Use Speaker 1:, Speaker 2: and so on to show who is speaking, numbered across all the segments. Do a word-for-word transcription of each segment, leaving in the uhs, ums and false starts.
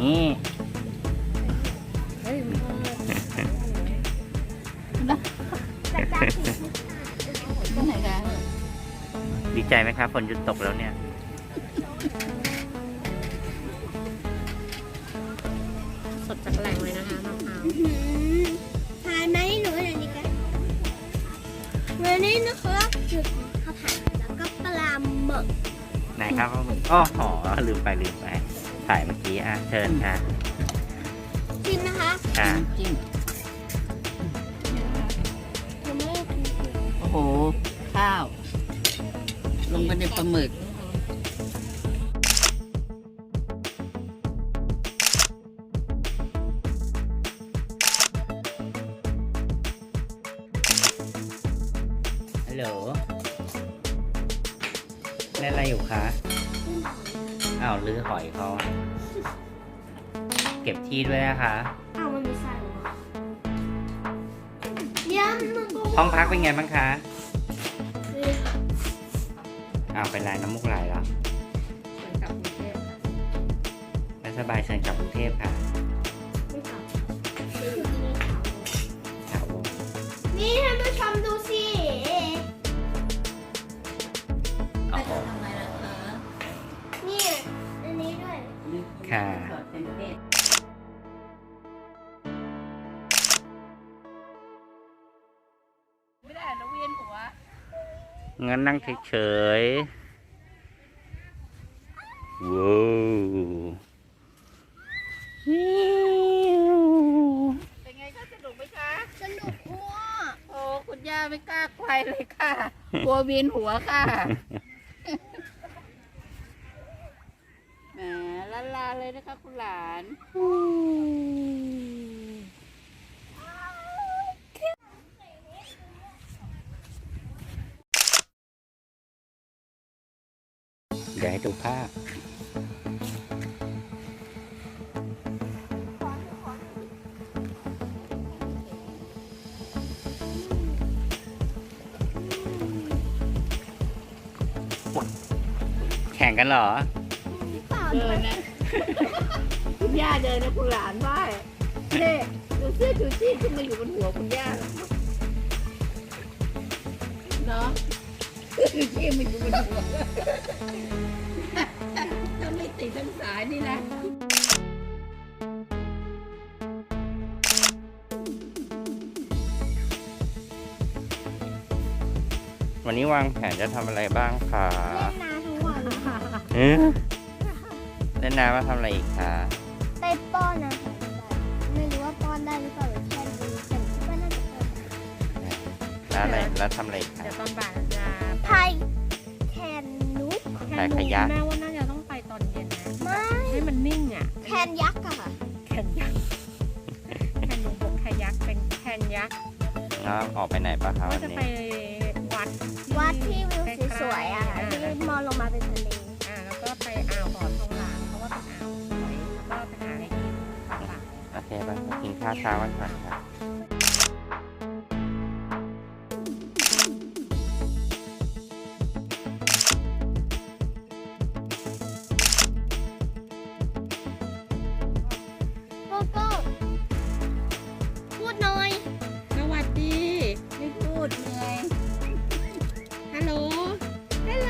Speaker 1: นี่ดีใจไหมครับฝนหยุดตกแล้วเนี่ย
Speaker 2: สดจากแหล่งเลยนะคะมะพร้าว
Speaker 3: ทานไหมหนูอะไรนี่กันวันนี้นะคะจุดข้าวผัดแล้วก็ปลาหมึก
Speaker 1: ไหนครับข้าวหมึกอ้อหอลืมไปลืมไปถ่ายเมื่อกี้อ่ะเชิญค่ะ
Speaker 3: ชิมนะคะ
Speaker 1: ค่ะ
Speaker 2: จิ้มโอ้โหข้าวลงไปในปลาหมึก
Speaker 1: ฮัลโหลเล่นอะไรอยู่คะอ้าวลื้อหอยเขาเก็บที่ด้วยนะคะ
Speaker 3: อ้าวมันมีทรายหรอย้ำ
Speaker 1: ห้องพักเป็นไงบ้างคะอ้าวเป็นไรน้ำมูกไหลเหรอ
Speaker 2: เชิญกลับกรุงเทพ
Speaker 1: ไม่สบายเชิญกลับกรุงเทพค่ะ
Speaker 3: นี่ท่านผู้ชมดูสิ
Speaker 1: โอ้โห
Speaker 3: นี่อันนี้ด้วย
Speaker 1: ค่ะ
Speaker 2: ไม่ได้นะเวียนหัว
Speaker 1: งั้นนั่งเฉยๆว้าว
Speaker 2: เป็นไงก็สนุกไหมคะ
Speaker 3: สนุกอ้ว
Speaker 2: โอ้คุณย่าไม่กล้าไปเลยค่ะกลัวเวียนหัวค่ะแหมลาลาเลยนะคะคุณหลาน
Speaker 1: เดี๋ยวให้ดูภาพแข่งกันเหรอ
Speaker 2: เดินนะคุณย่าเดินนะคุณหลานไหว้เน่ดูเสื้อจูจี้ขึ้นมาอยู่บนหัวคุณย่าเนาะเสื้อจูจี้มันอยู่บนหัวถ้าไม่ติดทั้งสายนี่นะ
Speaker 1: วันนี้วางแผนจะทำอะไรบ้างคะ
Speaker 3: เล่นน้ำทั้งวันค่ะ
Speaker 1: เล่นน้ำมาทำอะไรอีกคะ
Speaker 3: ไปป้อนอาหารไม่รู้ว่าป้อนได้หรือเปล่าหรือแค่ดูแต่คิดว่าน่าจะป้อน
Speaker 1: แล้วอะไรแล้วทำอะไรอีกคะ
Speaker 2: เดี๋ยวตอนบ่ายจะ
Speaker 3: พายแคนนุก
Speaker 1: พายขยัก
Speaker 2: แม่ว่าน่าจะต้องไปตอนเย็นนะ
Speaker 3: ไม่
Speaker 2: ให้มันนิ่งอ่ะ
Speaker 3: แคนยักษ์อะค่ะ
Speaker 2: แคนยักษ์แคนนุกบกแคนยักษ์เป็นแคนยักษ์
Speaker 1: แล้วออกไปไหนปะคะวัน
Speaker 2: นี้จะไปวัด
Speaker 3: วัดที่วิวสวยๆอ่ะที่มองลงมาเป็นทะเล
Speaker 2: อ่าแล้วก็ไปอ่าวบ่อทองหลางเพราะว่าเป็นอ่าวสวยแล้วก็ไปหาอะไรกินทองหลาง
Speaker 1: โอเคป่ะกินข้าวเช้ากันก่อนค่ะ
Speaker 3: โกโก้พูดหน่อย
Speaker 2: สวัสดีไม่พูดเลยฮัลโหล
Speaker 3: ฮัลโหล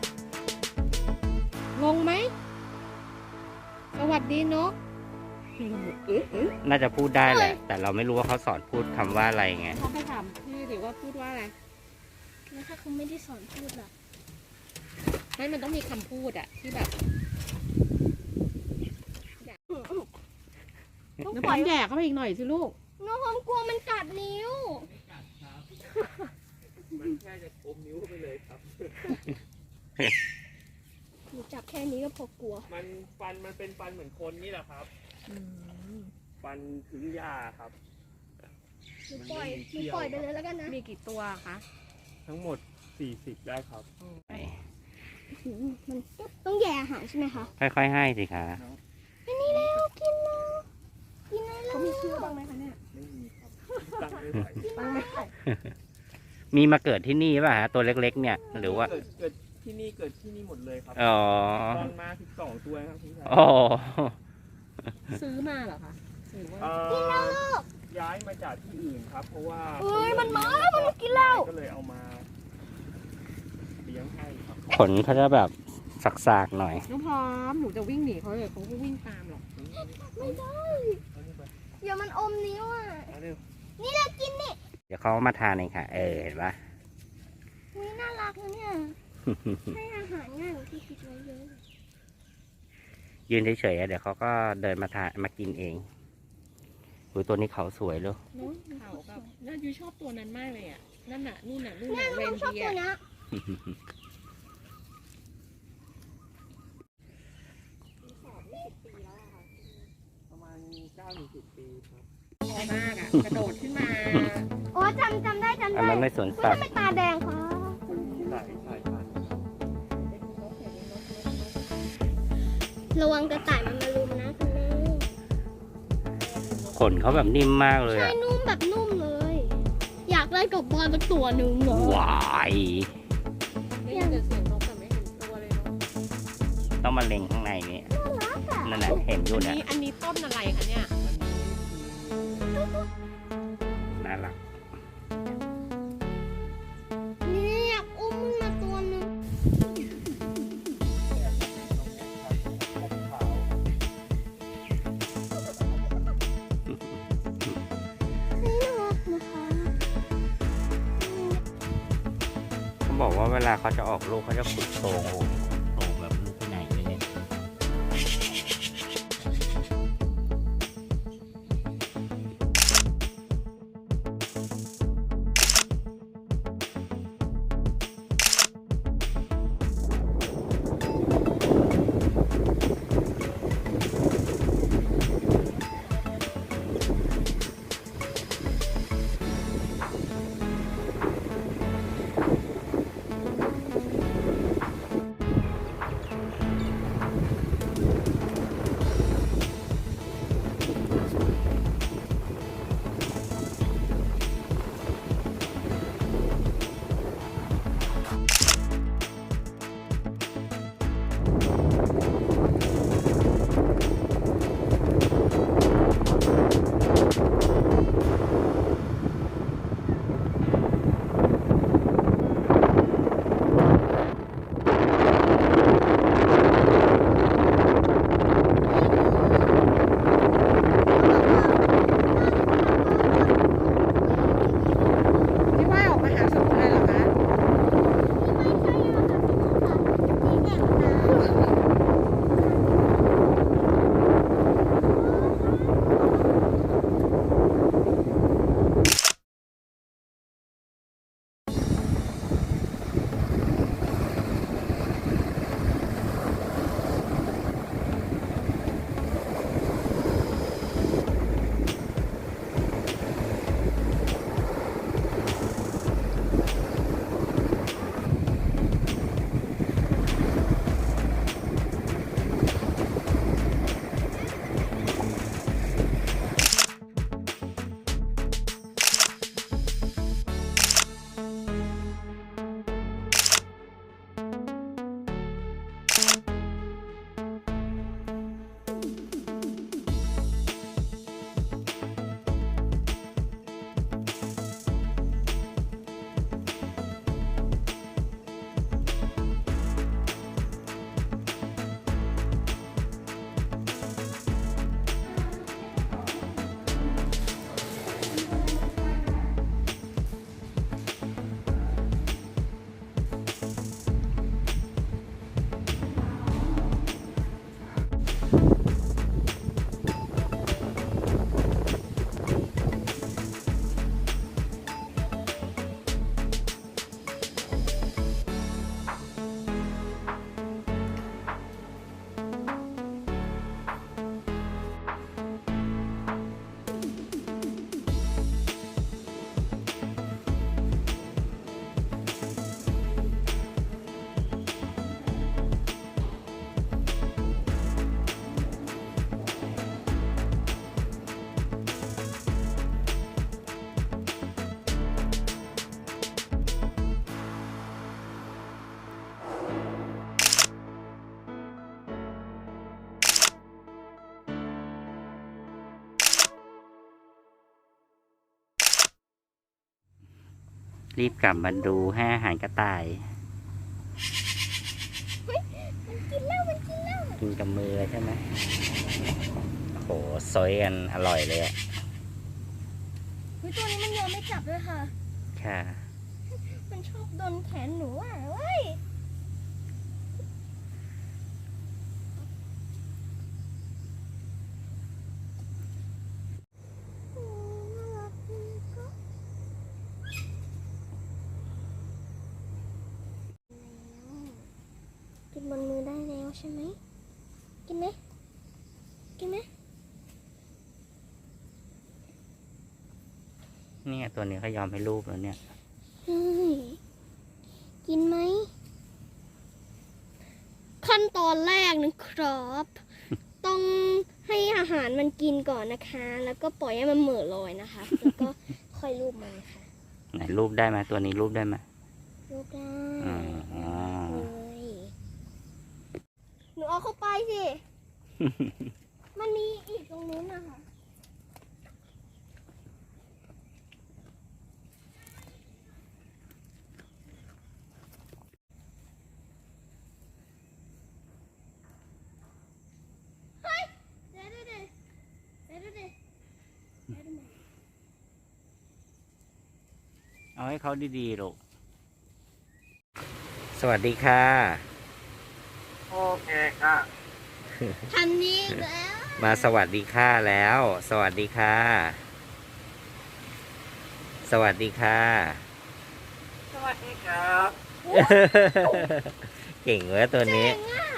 Speaker 2: งงไหมสวัสดีนก
Speaker 1: น่าจะพูดได้แหละแต่เราไม่รู้ว่าเขาสอนพูดคำว่าอะไรไง
Speaker 2: เขาไปถามพี่หรือว่าพูดว่าอะไร
Speaker 3: แล้วถ้าเขาไม่ได้สอนพูดล่ะ
Speaker 2: ไม่มันต้องมีคำพูดอะที่แบบต้องปล่อยแย่เข้าไปอีกหน่อยสิลูก
Speaker 3: น้องผมกลัวมันกัดนิ้ว
Speaker 4: มันแค่จะอมนิ้วไปเลยครับ
Speaker 3: หนูจับแค่นี้ก็พอกลัว
Speaker 4: มันฟันมันเป็นฟันเหมือนคนนี่แหละครับฟันถึงยาครับ
Speaker 3: หนูปล่อยหนูปล่อยไปเลยแล้วกันนะ
Speaker 2: มีกี่ตัวคะ
Speaker 4: ทั้งหมดสี่สิบได้ครับ
Speaker 3: มันต้องแย่อาหารใช่ไหมคะ
Speaker 1: ค่อยๆให้สิคะ
Speaker 3: อันนี้แล้วกินแล้วกินแล้ว
Speaker 2: เขามีชื่อบ้างไหมคะเนี่ย
Speaker 4: ไม่มีครับตั้งไม่ไหว
Speaker 2: ตั้งไม่ไหว
Speaker 1: มีมาเกิดที่นี่ป่ะฮะตัวเล็กๆเนี่ยหรือว่า
Speaker 4: เกิดเกิดที่นี่เกิดที่นี่หมดเลยครับ
Speaker 1: อ๋อ
Speaker 4: ตอนมาสิบสองตัวครับพี่ชาย
Speaker 1: อ๋อ
Speaker 2: ซื้อมาเหรอคะหรือว่า
Speaker 4: เอ่อย้ายมาจากที่อื่นครับ เพราะว่า
Speaker 3: เฮ้ยมันมาแล้วมันมากินแล้ว
Speaker 4: ก็เลยเอามาเลี้ยงให้ครับ
Speaker 1: ขนเขาจะแบบสักๆหน่อย
Speaker 2: น้องพร้อมหนูจะวิ่งหนีเขาเลยเขาก็วิ่งตามหรอก
Speaker 3: ไม่ได้
Speaker 4: เอานี่ไป
Speaker 3: เดี๋ยวมันอมนิ้วอ่ะ
Speaker 4: เอาเร็ว
Speaker 3: นี่เรากินนี่
Speaker 1: เดี๋ยวเขามาทานเองค่ะ เออเห็นปะ
Speaker 3: อุ้ยน่ารักนะเนี่ยให้อาหารง่ายกว่าที่คิดไว้เยอะ
Speaker 1: ยืนเฉยๆอะเดี๋ยวเขาก็เดินมาทานมากินเองอุ้ยตัวนี้เขาสวยเลย
Speaker 2: เนาะเขาแบบน่ายูชอบตัวนั้นมากเลยอ่ะนั่นน่ะนู่นน่ะนู่น
Speaker 3: เนี่
Speaker 2: น่ะ
Speaker 3: ย
Speaker 2: เร
Speaker 3: น้อง
Speaker 2: น
Speaker 3: ชอบ
Speaker 2: เดีย
Speaker 3: ตัว
Speaker 2: ร์
Speaker 3: เนี้ย
Speaker 4: ประมาณเก้าถึงสิบปีครับ
Speaker 2: มากอ่ะกระโดดขึ้นมา
Speaker 3: โอ้จำจำได้จำ
Speaker 1: อัน
Speaker 3: ได้
Speaker 1: นั้นในสวน
Speaker 3: อุ้ย
Speaker 1: สัต
Speaker 3: ทำ
Speaker 1: ว์
Speaker 3: ไมตาแดงคะ
Speaker 4: ใช่ใช่ใช่
Speaker 3: ระวังกระต่ายมันมารุมนะคุณแม่
Speaker 1: ขนเขาแบบนิ่มมากเลย
Speaker 3: ใช่
Speaker 1: อะ
Speaker 3: นุ่มแบบนุ่มเลย อยากได้กบบ้านสักตัวหนึ่งเหรอ
Speaker 1: วาย
Speaker 2: ได้ยินแต่เสียงนกแต่ไม่เห็นตัวเลยเนาะ
Speaker 1: ต้องมาเล็งข้างในนี้
Speaker 3: น่ารักอ่ะ
Speaker 1: นั่นแหละเห็นอยู่
Speaker 2: อัน
Speaker 1: นะ
Speaker 2: นี้อันนี้ต้นอะไรคะเนี่ย
Speaker 1: น่ารัก
Speaker 3: นี่อยากอุ้มมันมาตัวหนึ่ง นี่น่ารักนะคะ
Speaker 1: เขาบอกว่าเวลาเขาจะออกลูกเขาจะขุดโพรงโอ้โหโพรงแบบลูกไหนเลยเนี่ยรีบกลับมาดูให้อาหารกระต่าย
Speaker 3: มันกินแล้วมันกินแล้ว
Speaker 1: กินกับมือเลยใช่ไหมโหซอยกันอร่อยเลยอะ
Speaker 3: เฮ้ยตัวนี้มันยอมไม่จับด้วยค่ะ
Speaker 1: ค่ะ
Speaker 3: มันชอบโดนแขนหนูอ่ะเว้ยโอ้น่ารักดีก็กินบนมือได้แล้วใช่ไหม กินไหม กินไหม
Speaker 1: เนี่ยตัวนี้เขายอมให้รูปแล้วเนี่ย
Speaker 3: เฮ้ยกินไหม ขั้นตอนแรกนะครับ ต้องให้อาหารมันกินก่อนนะคะ แล้วก็ปล่อยให้มันเหม่อลอยนะคะ แล้วก็ค่อยลูบมันค่ะ
Speaker 1: ไหนรูปได้ไหมตัวนี้รูปได้ไหม
Speaker 3: ลูบได้
Speaker 1: อ๋อ
Speaker 3: เลยหนูเอาเข้าไปสิ มันมีอีกตรงนู้นนะคะ เฮ้ยเดี๋ยวดูดิเดี๋ยวดูดิเดี๋ยวดูดิ
Speaker 1: เอาให้เขาดีๆลูกสวัสดีค่ะ
Speaker 4: โอเคค่ะ
Speaker 3: ทำนี้อีกแล้ว
Speaker 1: มาสวัสดีค่ะแล้ว สวัสดีค่ะ สวัสดีค่ะ
Speaker 4: สวัสดีครับ
Speaker 1: เก่งเว้ยตัวนี้
Speaker 3: เก่งอ่ะ